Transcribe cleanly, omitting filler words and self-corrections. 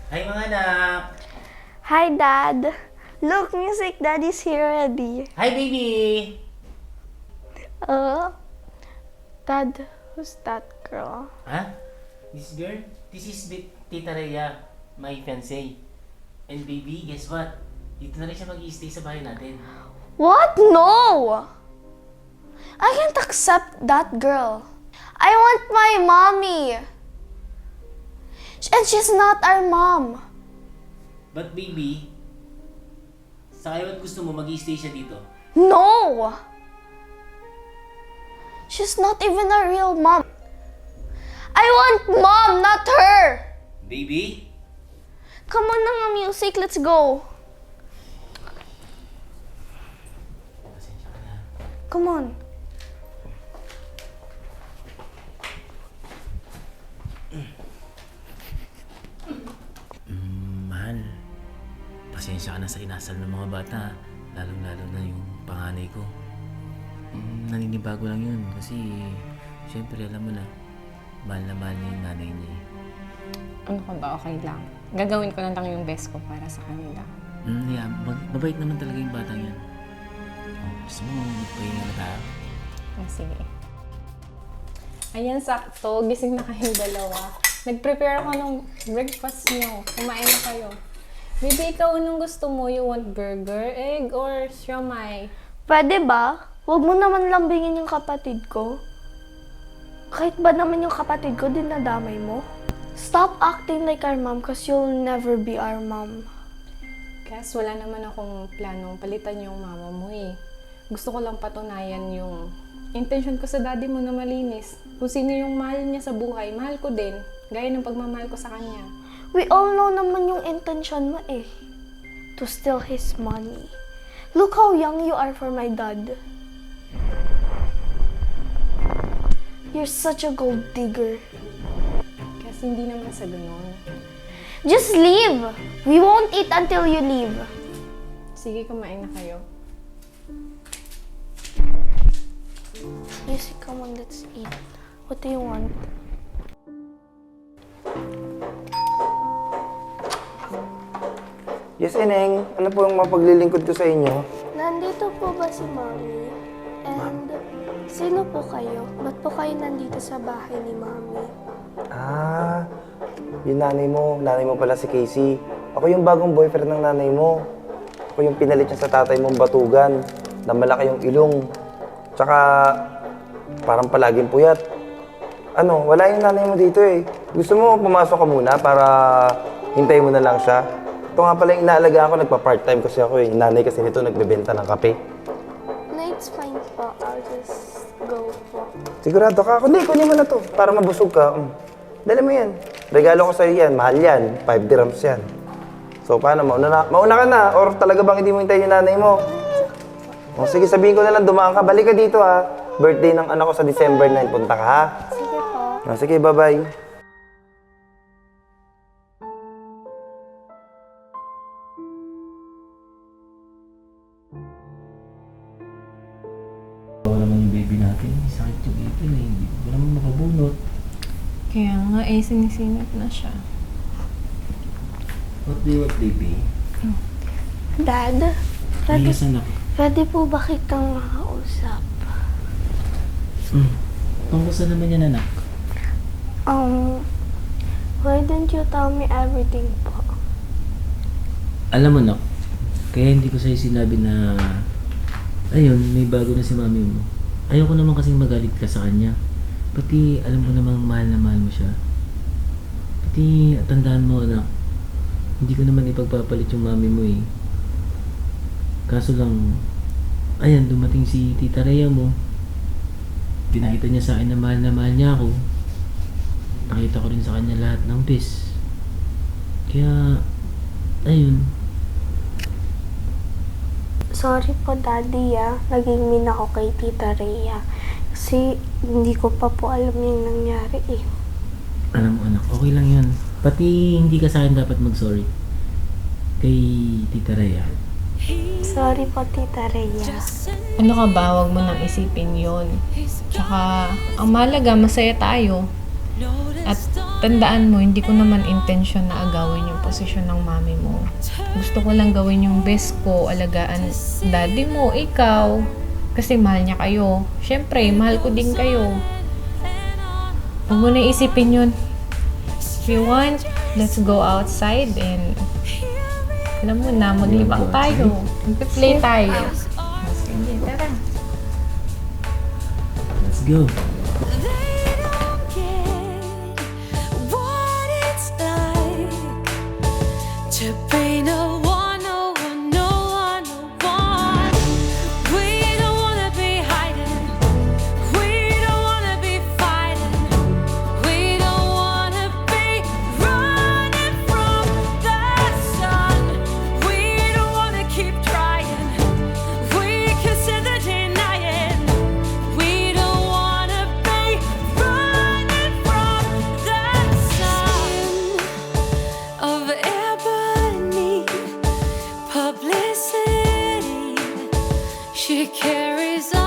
Hi mga anak! Hi, Dad. Look, Music Daddy's here already. Hi baby! Uh, Dad, who's that girl? Ha? This girl? This is Tita Rhea, my fiancé. And baby, guess what? Dito na rin siya mag-i-stay sa bahay natin. What? No! I can't accept that girl. I want my mommy. And she's not our mom. But baby, sa kayo at gusto mo mag-i-stay siya dito? No! She's not even a real mom. I want mom, not her! Baby? Come on na nga, Music. Let's go. Pasensya ka na. Come on. Mahal, pasensya ka na sa inasal ng mga bata. Lalong-lalo na yung panganay ko. Naninibago lang yun kasi syempre alam mo na mahal niya yung nanay niya eh. Ano ka ba? Okay lang. Gagawin ko na lang yung best ko para sa kanila. Yeah, mabait naman talaga yung batang yan. Gusto mo, magpahinga na tayo? Sige. Ayan, sakto. Gising na kayong dalawa. Nag-prepare ako ng breakfast niyo. Kumain na kayo. Baby, ikaw anong gusto mo? You want burger, egg, or siomai? Pwede ba? Huwag mo naman lambingin yung kapatid ko. Kahit ba naman yung kapatid ko, dinadamay mo? Stop acting like our mom cause you'll never be our mom. Kasi wala naman akong planong palitan yung mama mo eh. Gusto ko lang patunayan yung intention ko sa daddy mo na malinis. Kung sino yung mahal niya sa buhay, mahal ko din. Gaya ng pagmamahal ko sa kanya. We all know naman yung intention mo eh. To steal his money. Look how young you are for my dad. You're such a gold digger. Kasi hindi naman sa ganun. Just leave! We won't eat until you leave. Sige, kumain na kayo. Music, come on, let's eat. What do you want? Yes, Eneng. Ano po yung mapaglilingkod ko sa inyo? Nandito po ba si Mommy? And sino po kayo? Ba't po kayo nandito sa bahay ni Mommy? Ah, yung nanay mo. Nanay mo pala si Casey. Ako yung bagong boyfriend ng nanay mo. Ako yung pinalit niya sa tatay mong batugan na malaki yung ilong. Tsaka, parang palaging puyat. Ano, wala yung nanay mo dito eh. Gusto mo pumasok ka muna para hintayin mo na lang siya? Ito nga pala yung inaalagaan ko, nagpa-part-time kasi ako eh. Yung nanay kasi nito nagbebenta ng kape. No, it's fine po. I'll just go po. Sigurado ka? Kunin mo na to para mabusog ka. Dali mo yan. Regalo ko sa'yo yan. Mahal yan. 5 dirhams yan. So, paano? Mauna ka na? Or talaga bang hindi mo hintayin yung nanay mo? O, sige, sabihin ko na lang, dumaan ka. Balik ka dito, ha. Birthday ng anak ko sa December 9. Punta ka, ha? Sige po. O, sige, bye-bye. Bawa naman yung baby natin. Sakit yung ipin eh. Hindi ko naman makabunot. Kaya nga sinisinat na siya. What do you want, baby? Dad, Yes, anak. pwede po ba kitang makausap? Tungkol sa naman yan, anak? Why don't you tell me everything po? Alam mo, nak, kaya hindi ko sa'yo sinabi na ayun, may bago na si mami mo. Ayoko naman kasing magalit ka sa kanya. Pati alam ko namang mahal na mahal mo siya. Pati tandaan mo, anak, hindi ko naman ipagpapalit yung mami mo eh. Kaso lang, ayan, dumating si Tita Rhea mo. Pinakita niya sa akin na mahal niya ako. Nakita ko rin sa kanya lahat ng bis. Kaya, ayun. Sorry po, Daddy, naging mean ako kay Tita Rhea. Kasi hindi ko pa po alam yung nangyari eh. Alam mo, anak, okay lang yun. Pati hindi ka sa akin dapat mag-sorry. Kay Tita Rhea. Sorry po, Tita Rhea. Ano ka ba? Huwag mo nang isipin yun. Tsaka, ang mahalaga, masaya tayo. At tandaan mo, hindi ko naman intention na agawin yung posisyon ng mami mo. Gusto ko lang gawin yung best ko, alagaan daddy mo, ikaw. Kasi mahal niya kayo. Siyempre, mahal ko din kayo. Huwag mo na isipin yun. If you want, let's go outside and alam mo na, maglibang tayo. Mag-play tayo. Sige, tara. Let's go. They don't get what it's like to be no one, no one, no one, no one. We don't wanna be hiding. We don't wanna be fighting. We don't wanna be running from the sun. We don't wanna keep trying. We consider denying. We don't wanna be running from the sun of ebony publicity. She carries on.